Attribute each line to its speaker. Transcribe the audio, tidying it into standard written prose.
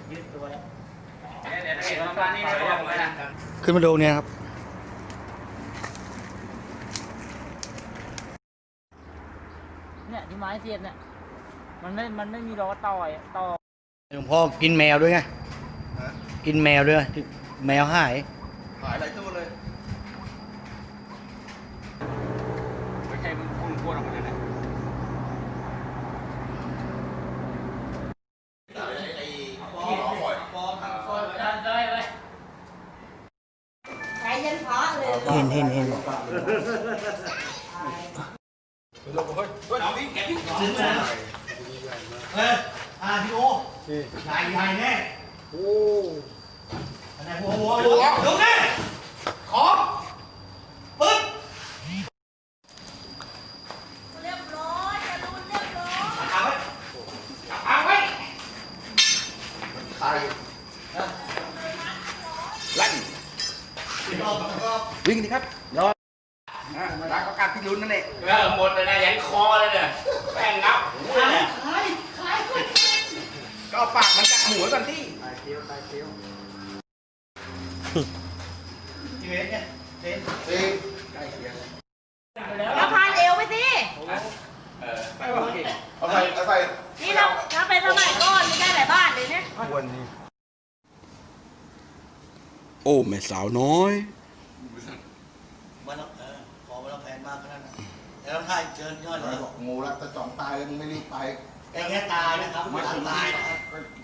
Speaker 1: ยืดตัวแล้ว
Speaker 2: เดี๋ยวเห็นประมาณนี้นะบอกเลยนะ
Speaker 3: ขึ้นมาดูเนี่ยครับ
Speaker 1: เนี่ยที่ไม้เสียบเนี่ยมันไม่มีล้อต่อ
Speaker 3: หลวงพ่อกินแมวด้วยไงกินแมวด้วยแมวหาย
Speaker 4: หลายตัวเลย
Speaker 2: ไม่ใช่มันพุ่งพวดออกมาเลยนะ
Speaker 1: ใช้ยันพระเลย
Speaker 3: เห็น
Speaker 4: เฮ้ยพี่โอใหญ่แน่โอ้อะไรหัวดูนี่ของปึ๊บ
Speaker 1: เรียบร้อยจะรุนเรียบร้อย
Speaker 4: เอาไว้ใครลั่นวิ่งดิครับรอรักก็การพิรุณนั่นเอง
Speaker 2: หมดเลยนะยันคอเลยเนี่ยแป้งงับ
Speaker 4: ก็เอาปากมันกัดหมูก่อนที่เจ๊เนี่ยเจ๊ใกล้เคียง
Speaker 1: แล้วพาเอวไปสิ
Speaker 4: ไปวะเอาใส่
Speaker 1: นี่เราถ้าเป็นสมัยก่อนไม่ได้หลายบ้านเลยเนี่ย
Speaker 4: วันนี้
Speaker 5: โอ้แม่สาวน้อย
Speaker 3: มันขอเวลาแผนมากขนาดนั้นแล้วท่านเชิญยอดเลย
Speaker 4: บอกงูรักตะจ่องตายแล้วมึงไม่รีบไป
Speaker 3: แต่แค่ตายนะครับไม่ตายนะครับ